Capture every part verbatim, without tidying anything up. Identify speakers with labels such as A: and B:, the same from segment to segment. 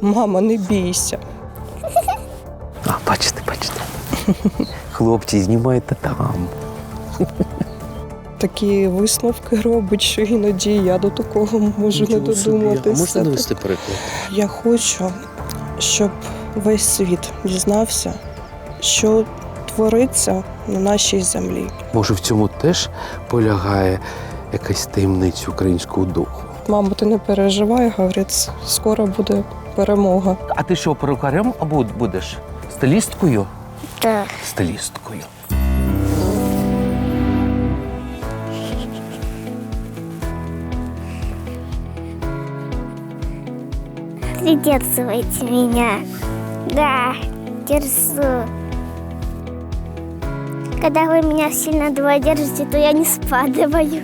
A: Мама, не бійся.
B: А, бачите, бачите. Хлопці, знімайте там.
A: Такі висновки робить, що іноді я до такого можу не
B: Нічого собі.
A: додуматися.
B: А можете навести приклад?
A: Я хочу, щоб весь світ дізнався, що твориться на нашій землі.
B: Може, в цьому теж полягає якась таємниця українського духу?
A: Мамо, ти не переживай, говорить, скоро буде перемога.
B: А ти що, перукарем або будеш? Стилісткою?
C: Так.
B: Стилісткою.
C: Придерживайте меня. Да, держу. Когда вы меня сильно долго держите, то я не спадываю.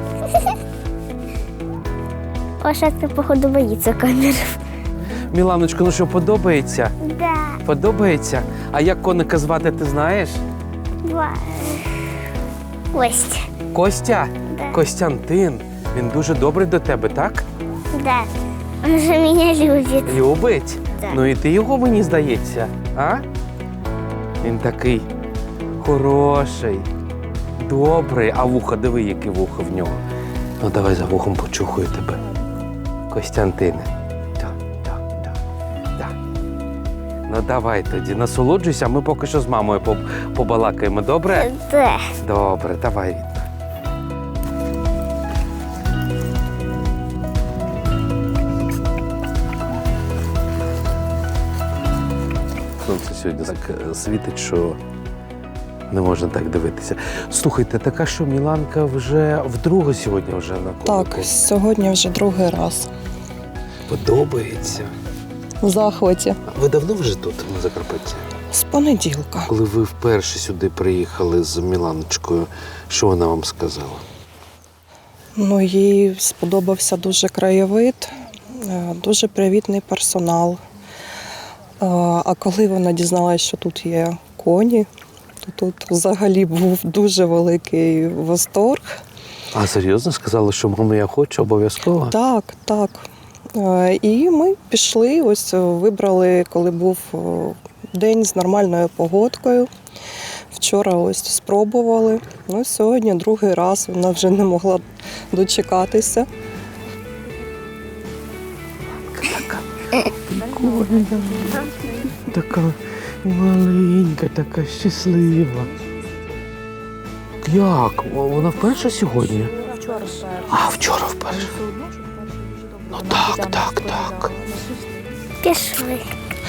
C: Ваша, походу, боится камер.
B: Міланочко, ну що, подобається?
C: Да.
B: Подобається? А як коника звати, ти знаєш?
C: Два. Кость.
B: Костя?
C: Да.
B: Костянтин. Він дуже добрий до тебе, так?
C: Да. Он же меня любит.
B: Любить?
C: Так.
B: Ну і ти його, мені здається, а? Він такий хороший, добрий. А вухо, диви, яке вухо в нього. Ну давай за вухом почухаю тебе. Костянтине. Так, так, так, так. Ну давай тоді, насолоджуйся, а ми поки що з мамою поб- побалакаємо, добре?
C: Да.
B: Добре, давай, рідна. Сонце сьогодні так е, світить, що не можна так дивитися. Слухайте, така що Міланка вже вдруге сьогодні вже на конику?
A: Так, сьогодні вже другий раз.
B: Подобається.
A: В захваті.
B: Ви давно вже тут, на Закарпатті?
A: З понеділка.
B: Коли ви вперше сюди приїхали з Міланочкою, що вона вам сказала?
A: Ну, їй сподобався дуже краєвид, е, дуже привітний персонал. Е, А коли вона дізналася, що тут є коні, то тут взагалі був дуже великий восторг.
B: А серйозно сказала, що мама, я хочу обов'язково?
A: Так, так. Е, І ми пішли, ось вибрали, коли був е, день з нормальною погодкою. Вчора ось спробували. Ну, сьогодні другий раз вона вже не могла дочекатися.
B: Така маленька, така щаслива. Як? Вона вперше сьогодні?
A: Вчора.
B: А, вчора вперше. Ну так, так, так.
C: Пішли.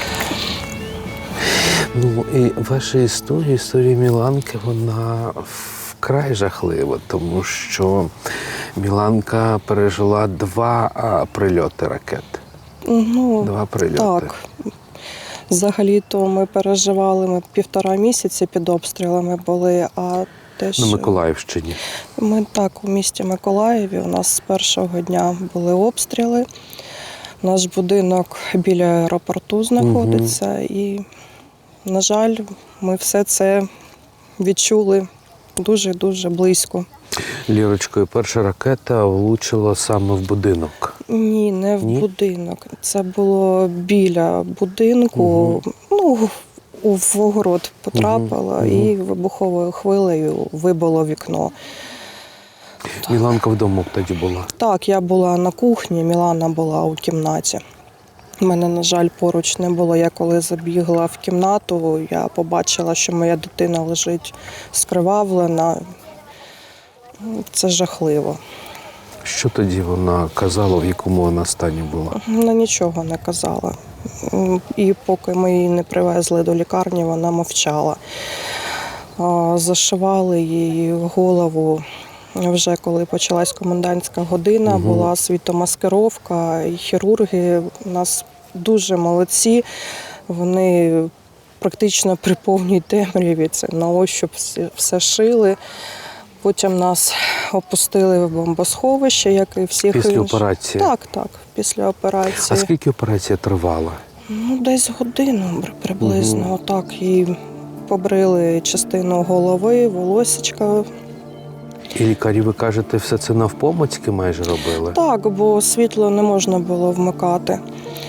B: Ну і ваша історія, історія Міланки, вона вкрай жахлива, тому що Міланка пережила два а, прильоти ракет.
A: Ну,
B: Два прильоти.
A: так. Взагалі-то ми переживали, ми півтора місяці під обстрілами були, а те, що
B: На Миколаївщині.
A: ми так у місті Миколаєві, у нас з першого дня були обстріли. Наш будинок біля аеропорту знаходиться, і, на жаль, ми все це відчули дуже-дуже близько.
B: Лірочкою, перша ракета влучила саме в будинок.
A: Ні, не в
B: Ні?
A: будинок. Це було біля будинку.
B: Угу.
A: Ну, у в огород потрапила
B: Угу.
A: і вибуховою хвилею вибило вікно.
B: Міланка вдома тоді була.
A: Так, я була на кухні, Мілана була у кімнаті. У мене, на жаль, поруч не було. Я коли забігла в кімнату, я побачила, що моя дитина лежить скривавлена. Це жахливо.
B: Що тоді вона казала, в якому вона стані була?
A: Вона нічого не казала. І поки ми її не привезли до лікарні, вона мовчала. А, Зашивали її голову. Вже коли почалась комендантська година,
B: Угу.
A: була світомаскировка, і хірурги у нас дуже молодці. Вони практично при повній темряві це на ощуп все, все шили. Потім нас опустили в бомбосховище, як і всіх
B: Після
A: інших.
B: операції?
A: Так, так, після операції.
B: А скільки операція тривала?
A: Ну, десь годину приблизно.
B: Угу.
A: Отак, їй побрили частину голови, волосечка.
B: І лікарі, ви кажете, все це навпомацьки майже робили?
A: Так, бо світло не можна було вмикати.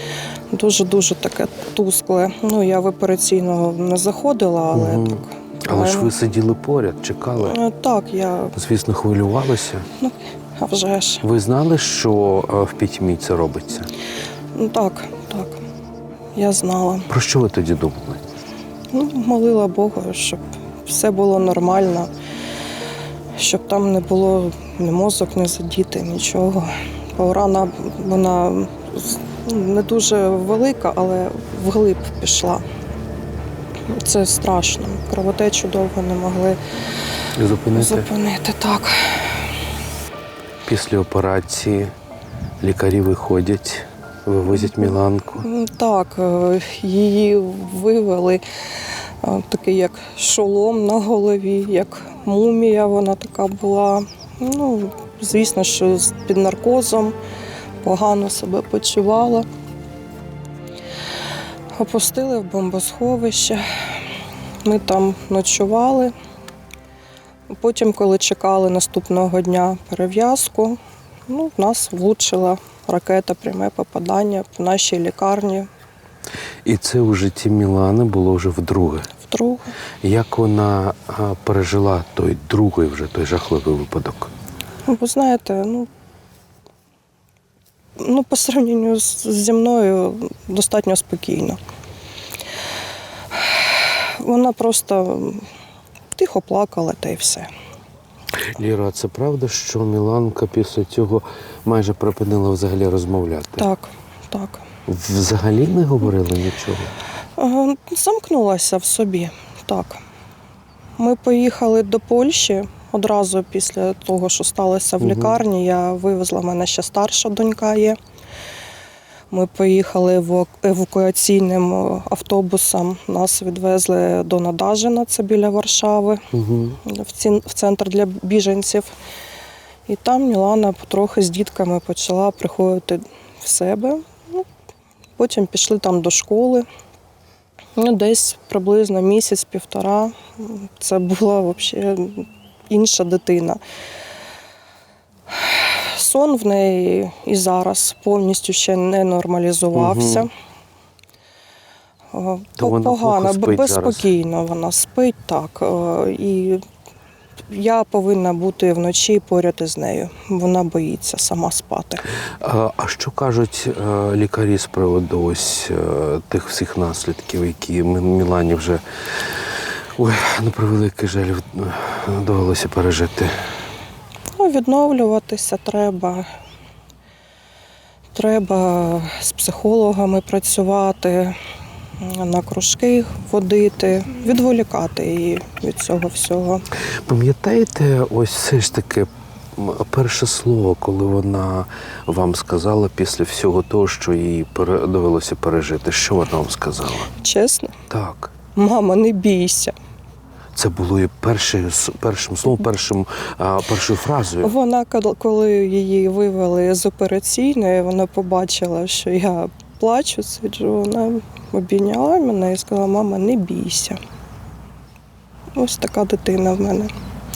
A: Дуже-дуже таке тускле. Ну, я в операційну не заходила, але
B: Мгм.
A: так.
B: Але ж ви сиділи поряд, чекали.
A: Е, Так, я,
B: Звісно, хвилювалися.
A: ну, а вже ж.
B: Ви знали, що е, в пітьмі це робиться?
A: Ну, так, так. Я знала.
B: Про що ви тоді думали?
A: Ну, молила Бога, щоб все було нормально, щоб там не було ні мозок, не задіти, нічого. Бо рана, вона ну, не дуже велика, але вглиб пішла. Це страшно. Кровотечу довго не могли
B: Зупинити?
A: зупинити. Так.
B: Після операції лікарі виходять, вивозять Міланку.
A: М, Так, е, її вивели е, такий як шолом на голові, як мумія вона така була. Ну, звісно, що з- під наркозом погано себе почувала. Опустили в бомбосховище. Ми там ночували. Потім, коли чекали наступного дня перев'язку, ну, в нас влучила ракета, пряме попадання по нашій лікарні
B: І це у житті Мілани було вже вдруге.
A: вдруге.
B: Як вона а, пережила той другий вже той жахливий випадок?
A: Ну, ви знаєте, ну, ну по сравненню з- зі мною достатньо спокійно. Вона просто тихо плакала та й все.
B: Ліра, а це правда, що Міланка після цього майже припинила взагалі розмовляти?
A: Так, так.
B: Взагалі не говорила нічого?
A: Е, Замкнулася в собі, так. Ми поїхали до Польщі одразу після того, що сталося в
B: Мгм.
A: лікарні. Я вивезла, в мене ще старша донька є. Ми поїхали ева- евакуаційним автобусом. Нас відвезли до Надажина, це біля Варшави,
B: Угу.
A: в ці- в центр для біженців. І там Мілана потрохи з дітками почала приходити в себе. Ну, потім пішли там до школи. Ну, десь приблизно місяць-півтора. Це була взагалі інша дитина. Сон в неї і зараз повністю ще не нормалізувався.
B: Мгм.
A: О,
B: То
A: по-
B: вона
A: Погано,
B: плохо спить
A: безспокійно вона спить, так. Е, І я повинна бути вночі поряд із нею. Вона боїться сама спати.
B: А, а що кажуть е, лікарі з приводу ось е, тих всіх наслідків, які Мі- Мілані вже ой, на превеликий жаль е, довелося пережити?
A: Ну, відновлюватися треба. Треба з психологами працювати, на кружки водити, відволікати її від цього всього.
B: Пам'ятаєте, ось все ж таки м, перше слово, коли вона вам сказала після всього того, що їй пере- довелося пережити? Що вона вам сказала?
A: Чесно,
B: Так.
A: мама, не бійся.
B: Це було і перше, с- першим словом, першим, а, першою фразою.
A: Вона, кол- коли її вивели з операційної, вона побачила, що я плачу, сиджу, вона обійняла мене і сказала: мама, не бійся. Ось така дитина в мене.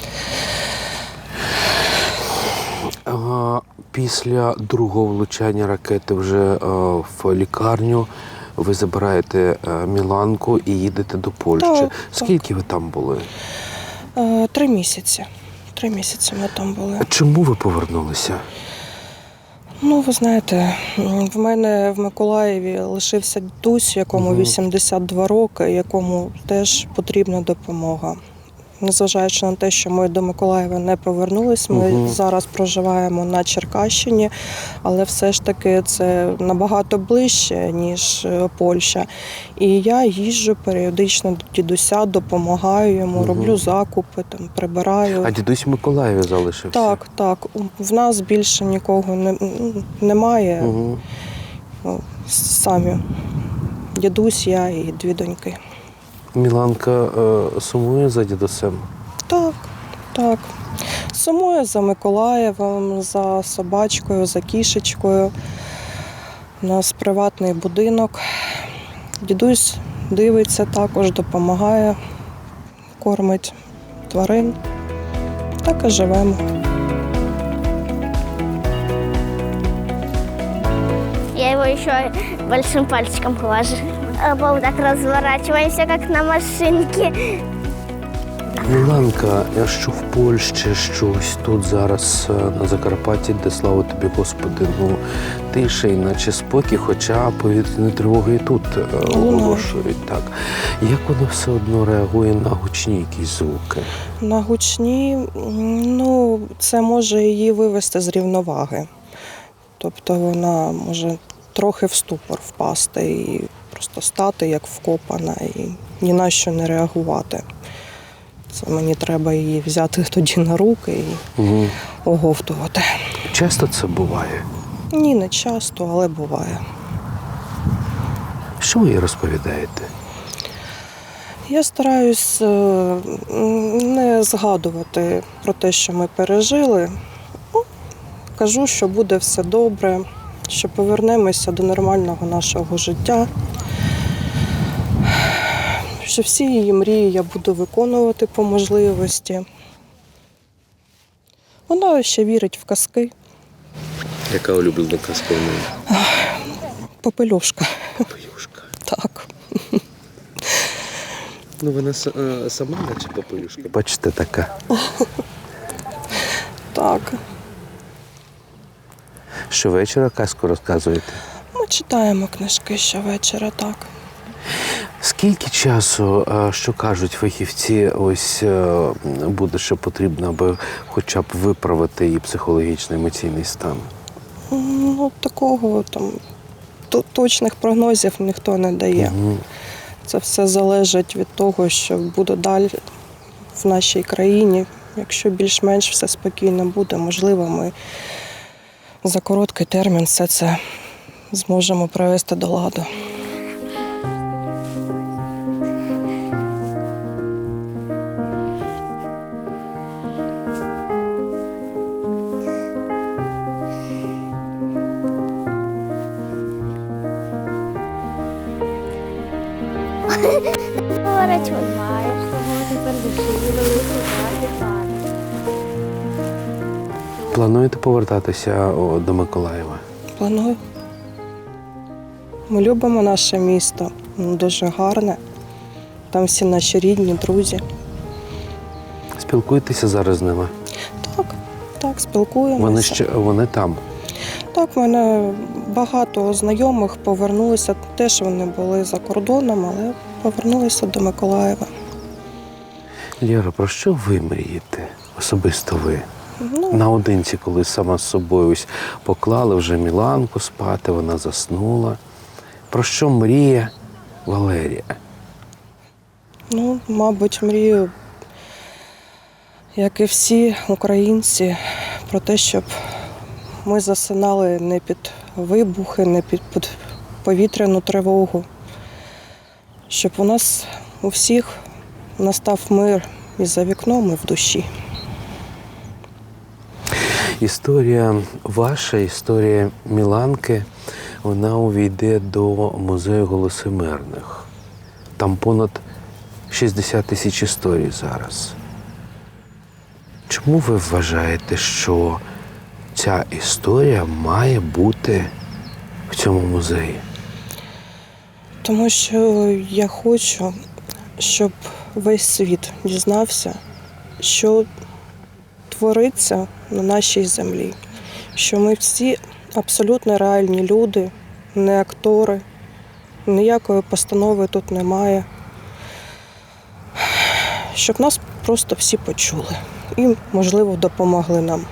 B: А, Після другого влучання ракети вже е, в лікарню ви забираєте е, Міланку і їдете до Польщі.
A: Так, так.
B: Скільки ви там були?
A: Е, Три місяці. Три місяці ми там були.
B: Чому ви повернулися?
A: Ну, ви знаєте, м, в мене в Миколаєві лишився дідусь, якому
B: Мгм.
A: вісімдесят два роки, якому теж потрібна допомога. Незважаючи на те, що ми до Миколаєва не повернулись, ми
B: Мгм.
A: зараз проживаємо на Черкащині, але все ж таки це набагато ближче, ніж е, Польща. І я їжджу періодично до дідуся, допомагаю йому,
B: Мгм.
A: роблю закупи, там, прибираю.
B: А дідусь в Миколаєві залишився?
A: Так, так. У- В нас більше нікого не, м, немає.
B: Угу.
A: Ну, самі. Дідусь, я і дві доньки.
B: Міланка е, сумує за дідусем?
A: Так, так. Сумую за Миколаєвом, за собачкою, за кішечкою. У нас приватний будинок. Дідусь дивиться також, допомагає, кормить тварин. Так і живемо.
C: Я его еще большим пальчиком глажу. А вот так разворачиваемся, как на машинке.
B: Міланка, що в Польщі, що ось тут зараз е, на Закарпатті, де слава тобі, Господи, ну тиша, і наче спокій, хоча повітряні тривоги і тут е, оголошують. Так. Як воно все одно реагує на гучні якісь звуки?
A: На гучні, м, ну, це може її вивести з рівноваги. Тобто вона може трохи в ступор впасти і просто стати як вкопана і ні на що не реагувати. Це мені треба її взяти тоді на руки і
B: Угу.
A: оговтувати.
B: Часто це буває?
A: Ні, не часто, але буває.
B: Що ви їй розповідаєте?
A: Я стараюсь е, не згадувати про те, що ми пережили. Ну, кажу, що буде все добре, що повернемося до нормального нашого життя, що всі її мрії я буду виконувати по можливості. Вона ще вірить в казки.
B: Яка улюблена казка в неї?
A: Попелюшка.
B: Попелюшка.
A: Так.
B: Ну вона сама наче попелюшка. Бачите, така.
A: Так.
B: Щовечора казку розказуєте?
A: Ми читаємо книжки щовечора, так.
B: Скільки часу, е, що кажуть фахівці, ось е, буде ще потрібно, аби хоча б виправити її психологічний емоційний стан?
A: Ну, такого там то- точних прогнозів ніхто не дає.
B: Мгм.
A: Це все залежить від того, що буде далі в нашій країні. Якщо більш-менш все спокійно буде, можливо, ми за короткий термін все це зможемо привести до ладу.
C: Поворачиваешь, тепер
B: Плануєте повертатися о, до Миколаєва?
A: Планую. Ми любимо наше місто, воно дуже гарне. Там всі наші рідні, друзі.
B: Спілкуєтеся зараз з ними?
A: Так, так, спілкуємося.
B: Вони ще вони там.
A: Так, в мене багато знайомих повернулися. Теж вони були за кордоном, але повернулися до Миколаєва.
B: Лєра, про що ви мрієте? Особисто ви?
A: Ну,
B: Наодинці, коли сама з собою ось поклали вже Міланку спати, вона заснула. Про що мріє Валерія?
A: ну, мабуть, мрію, як і всі українці, про те, щоб ми засинали не під вибухи, не під, під повітряну тривогу. Щоб у нас у всіх настав мир і за вікном, і в душі.
B: Історія ваша, історія Міланки, вона увійде до музею «Голоси мирних». Там понад шістдесят тисяч історій зараз. Чому ви вважаєте, що ця історія має бути в цьому музеї?
A: Тому що я хочу, щоб весь світ дізнався, що твориться на нашій землі. Що ми всі абсолютно реальні люди, не актори, ніякої постанови тут немає. Щоб нас просто всі почули і, можливо, допомогли нам.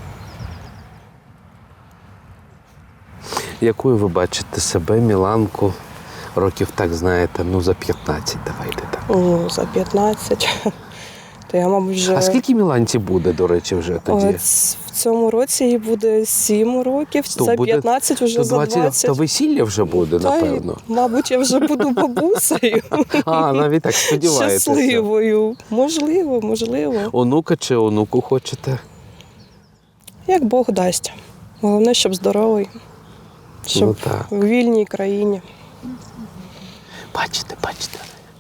B: Якою ви бачите себе, Міланку, років, так знаєте, ну за п'ятнадцять, давайте так.
A: Ну, за п'ятнадцять. То я, мабуть, вже...
B: А скільки Міланці буде, до речі, вже тоді?
A: Ось в цьому році їй буде сім років,
B: То
A: за
B: буде-
A: п'ятнадцять, вже
B: То
A: за двадцять.
B: То весілля вже буде,
A: Та й,
B: напевно.
A: мабуть, я вже буду бабусею.
B: А, навіть так сподіваєтеся.
A: Щасливою. Можливо, можливо.
B: Онука чи онуку хочете?
A: Як Бог дасть. Головне, щоб здоровий. Щоб
B: Ну, так.
A: в вільній країні.
B: Бачите, бачите.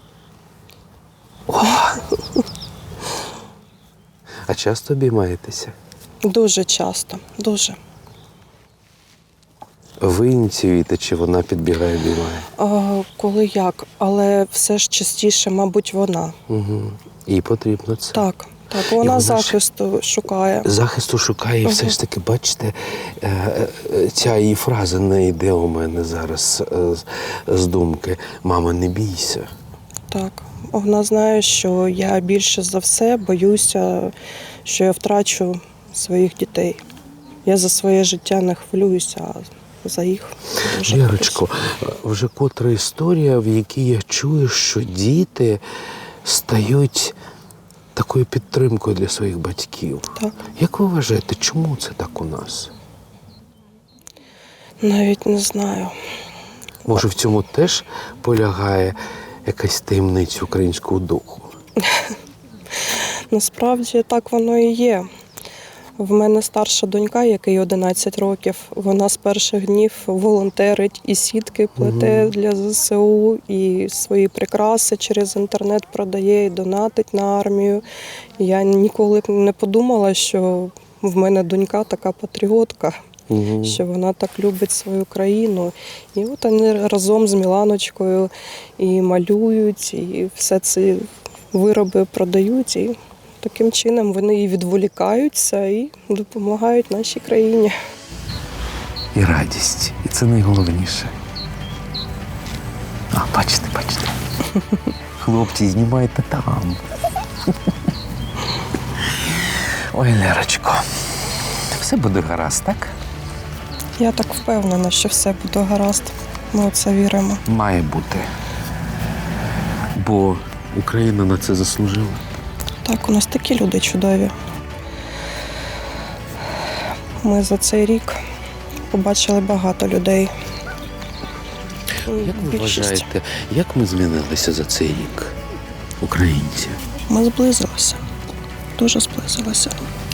B: О! А часто обіймаєтеся?
A: Дуже часто. Дуже.
B: Ви ініціюєте, чи вона підбігає, обіймає?
A: А, коли як, але все ж частіше, мабуть, вона.
B: Угу. Їй потрібно це.
A: Так, так,
B: І
A: вона
B: вона ж-
A: захисту шукає.
B: Захисту шукає, і все ж таки, бачите, е, е, ця її фраза не йде у мене зараз е, з- з думки. Мама, не бійся.
A: Так. Вона знає, що я більше за все боюся, що я втрачу своїх дітей. Я за своє життя не хвилююся, а за їх дуже
B: Лєрочко, вже котра історія, в якій я чую, що діти стають такою підтримкою для своїх батьків.
A: Так.
B: Як ви вважаєте, чому це так у нас?
A: Навіть не знаю.
B: Може, в цьому теж полягає якась таємниця українського духу?
A: Насправді так воно і є. В мене старша донька, якій одинадцять років, вона з перших днів волонтерить і сітки плете для зе се у, і свої прикраси через інтернет продає, і донатить на армію. Я ніколи б не подумала, що в мене донька така патріотка,
B: Угу.
A: що вона так любить свою країну. І от вони разом з Міланочкою і малюють, і все ці вироби продають. І таким чином вони і відволікаються, і допомагають нашій країні.
B: І радість. І це найголовніше. А, бачите, бачите. Хлопці, знімайте там. Ой, Лерочко, все буде гаразд, так?
A: Я так впевнена, що все буде гаразд. Ми у це віримо.
B: Має бути. Бо Україна на це заслужила.
A: Так, у нас такі люди чудові. Ми за цей рік побачили багато людей.
B: Як ви
A: Більшість.
B: вважаєте, як ми змінилися за цей рік, українці?
A: Ми зблизилися, дуже зблизилися.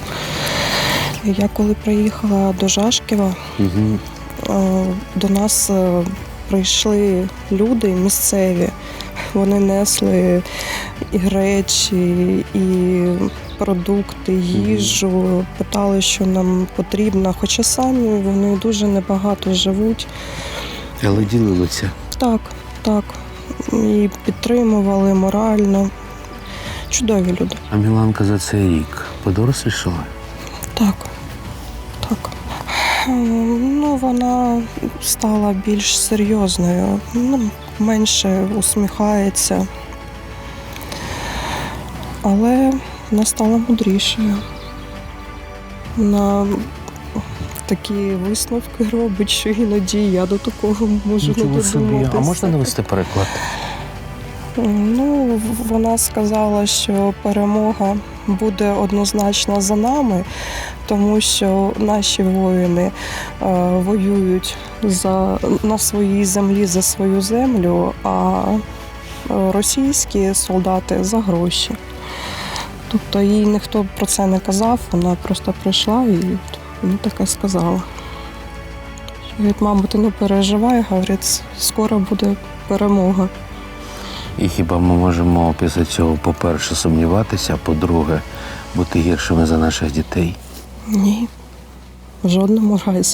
A: Я коли приїхала до Жашківа,
B: Угу.
A: е, до нас е, прийшли люди місцеві. Вони несли і речі, і продукти, їжу, питали, що нам потрібно. Хоча самі вони дуже небагато живуть.
B: Але ділилися.
A: Так, так. І підтримували морально. Чудові люди.
B: А Міланка за цей рік подорослішала?
A: Так, так. Ем, Ну, вона стала більш серйозною, ну, менше усміхається. Але вона стала мудрішою. Вона такі висновки робить, що іноді я до такого можу не додуматися.
B: А можна навести приклад?
A: Ну, вона сказала, що перемога буде однозначно за нами, тому що наші воїни е, воюють за, на своїй землі за свою землю, а е, російські солдати за гроші. Тобто їй ніхто про це не казав, вона просто прийшла і ну, таке сказала. Говорить, мама, ти не переживай, говорить, скоро буде перемога.
B: І хіба ми можемо після цього, по-перше, сумніватися, а по-друге, бути гіршими за наших дітей?
A: Ні, в жодному разі.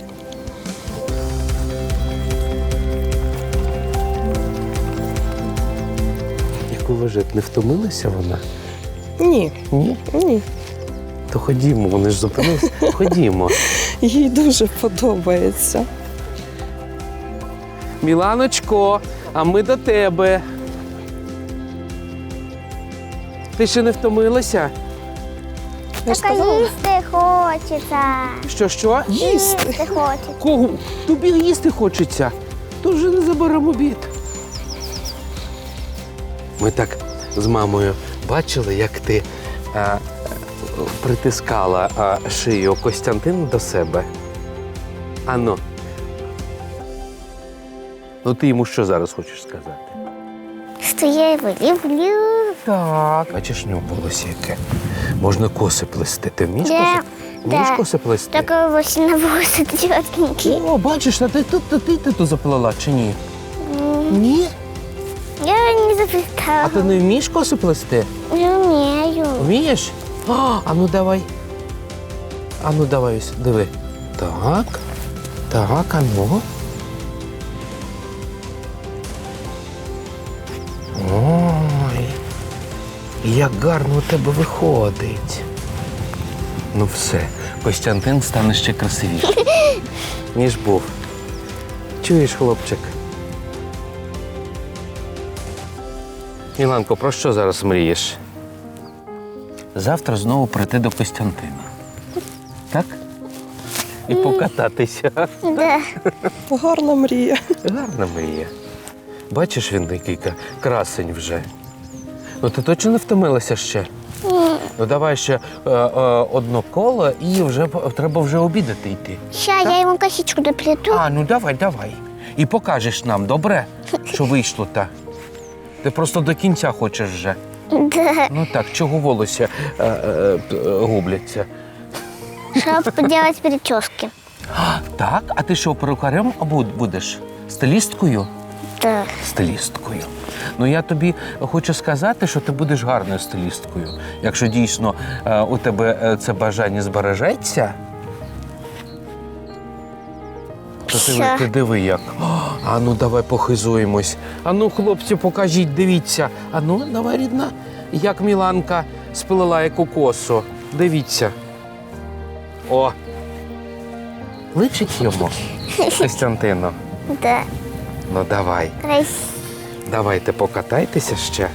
B: Як ви вважаєте, не втомилася вона?
A: Ні,
B: Ні?
A: ні.
B: То ходімо, вони ж зупинилися. Ходімо.
A: Їй дуже подобається.
B: Міланочко, а ми до тебе. Ти ще не втомилася?
A: Я ж
C: Так
A: сказала,
C: їсти хочеться.
B: Що, що?
A: їсти.
C: Їсти хочеться.
B: Кого? Тобі їсти хочеться. То вже не заберемо обід. Ми так з мамою бачили, як ти а, притискала а, шию Костянтина до себе. Ану. Ну ти йому що зараз хочеш сказати?
C: Що я його люблю.
B: Так. Бачиш, в нього волосся яке. Можна коси плести. Ти вмієш
C: Да,
B: коси? Вмієш
C: да.
B: коси плести?
C: Такой ось на волосы тетеньки.
B: О, бачиш, а ти тут ти, ти, ти, тут заплела чи ні? Ні?
C: Я не
B: А
C: заплетала.
B: ти не вмієш коси плести?
C: Не умею.
B: Вмієш? А, а ну давай. А ну давай, ось, диви. Так. Так, а ну. Як гарно у тебе виходить. Ну все, Костянтин стане ще красивішим, ніж був. Чуєш, хлопчик? Міланко, про що зараз мрієш? Завтра знову прийти до Костянтина. Так? І покататися.
C: Да.
A: Гарна мрія.
B: Гарна мрія. Бачиш, він такий ка- красень вже. Ну ти точно не втомилася ще? Ну давай ще е, е, одно коло і вже п- треба вже обідати йти.
C: Ща я ему косичку доплету.
B: А, ну давай, давай. І покажеш нам, добре? Що вийшло та. Ти просто до кінця хочеш вже.
C: Да.
B: Ну так, чого волосся е, е, п- е, губляться?
C: Чтобы делать прически.
B: Так, а ти що, перукарем або будеш? Стилісткою?
C: Да.
B: Стилісткою. Ну я тобі хочу сказати, що ти будеш гарною стилісткою. Якщо дійсно е, у тебе е, це бажання збережеться, то ти,
C: Що?
B: ти диви як. О, а ну давай похизуємось. А ну, хлопці, покажіть, дивіться. А ну, давай, рідна, як Міланка сплела яку косу. Дивіться. О! Личить йому, Костянтину.
C: Да.
B: Ну давай.
C: Красиво.
B: Давайте покатайтеся ще.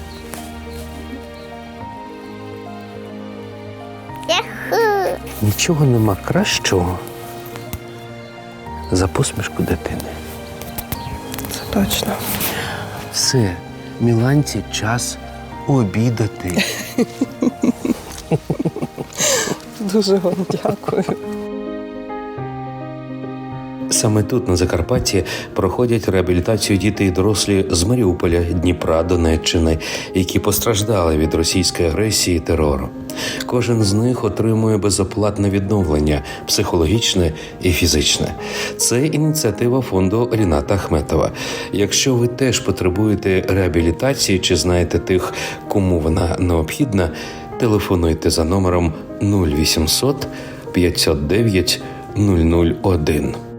C: Яху.
B: Нічого нема кращого за посмішку дитини.
A: Це точно.
B: Все, Міланці час обідати.
A: Дуже вам дякую.
D: Саме тут, на Закарпатті, проходять реабілітацію діти і дорослі з Маріуполя, Дніпра, Донеччини, які постраждали від російської агресії і терору. Кожен з них отримує безоплатне відновлення – психологічне і фізичне. Це ініціатива фонду Ріната Ахметова. Якщо ви теж потребуєте реабілітації чи знаєте тих, кому вона необхідна, телефонуйте за номером нуль вісімсот п'ятсот дев'ять нуль нуль один.